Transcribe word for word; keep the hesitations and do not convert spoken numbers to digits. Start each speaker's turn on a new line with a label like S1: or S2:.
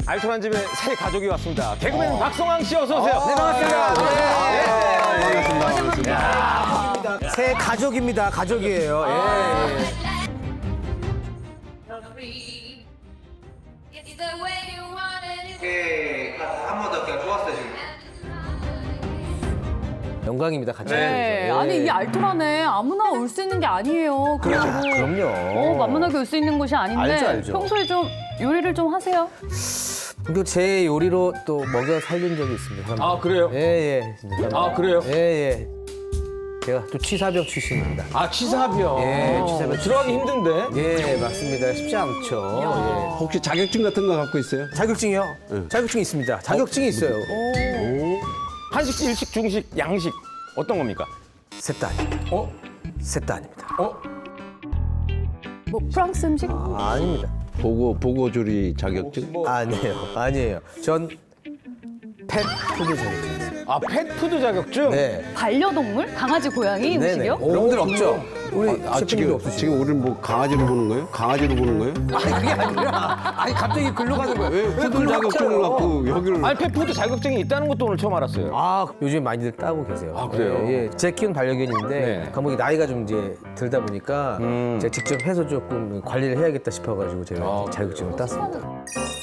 S1: 알토란 집에 새 가족이 왔습니다. 개그맨 박성왕 씨 어서 오세요.
S2: 네, 반갑습니다.
S1: 네.
S2: 반갑습니다. 반갑습니다. 새 가족입니다. 가족이에요. 예.
S3: 한 번 더 그냥 좋았어요 지금.
S2: 영광입니다. 같이.
S4: 네. 아니 이 알토란에 아무나 올 수 있는 게 아니에요. 그리고
S2: 그럼요.
S4: 어, 만만하게 올 수 있는 곳이 아닌데
S2: 알죠, 알죠.
S4: 평소에 좀 요리를 좀 하세요?
S2: 또 제 요리로 또 먹여 살린 적이 있습니다. 사람들.
S1: 아, 그래요?
S2: 예, 예. 진짜.
S1: 아, 그래요?
S2: 예, 예. 제가 또 취사병 출신입니다.
S1: 아, 취사병.
S2: 예, 취사병
S1: 들어가기 힘든데?
S2: 예, 맞습니다. 쉽지 않죠. 예.
S5: 혹시 자격증 같은 거 갖고 있어요?
S2: 자격증이요? 자격증이 있습니다. 자격증이 있어요.
S1: 한식, 일식, 중식, 양식 어떤 겁니까?
S2: 셋 다 아닙니다.
S1: 어?
S2: 셋 다 아닙니다.
S1: 어?
S4: 뭐 프랑스 음식?
S2: 아, 아닙니다.
S5: 보고 보고조리 자격증?
S2: 아니에요. 아니에요. 전 펫푸드 자격증 있어요.
S1: 아, 펫푸드 자격증?
S2: 네.
S4: 반려동물? 강아지, 고양이
S2: 네네.
S4: 음식이요?
S2: 그런 분들 없죠? 우리
S5: 아,
S2: 셰프님도
S5: 지금
S2: 없으시죠?
S5: 지금 우리는 뭐 강아지로 보는 거예요? 강아지로 보는 거예요?
S2: 아니, 그게 아니라 아니 갑자기 글로 가는 거예요.
S5: 왜 푸들
S2: 글로
S5: 자격증을
S2: 갔어요?
S5: 갖고 여기를?
S1: 아니, 펫푸드 자격증이 있다는 것도 오늘 처음 알았어요.
S2: 아, 요즘 많이들 따고 계세요.
S1: 아, 그래요?
S2: 예, 예. 제 키운 반려견인데
S1: 네.
S2: 감독이 나이가 좀 이제 들다 보니까
S1: 음.
S2: 제가 직접 해서 조금 관리를 해야겠다 싶어가지고 제가
S1: 아,
S2: 자격증을 땄습니다.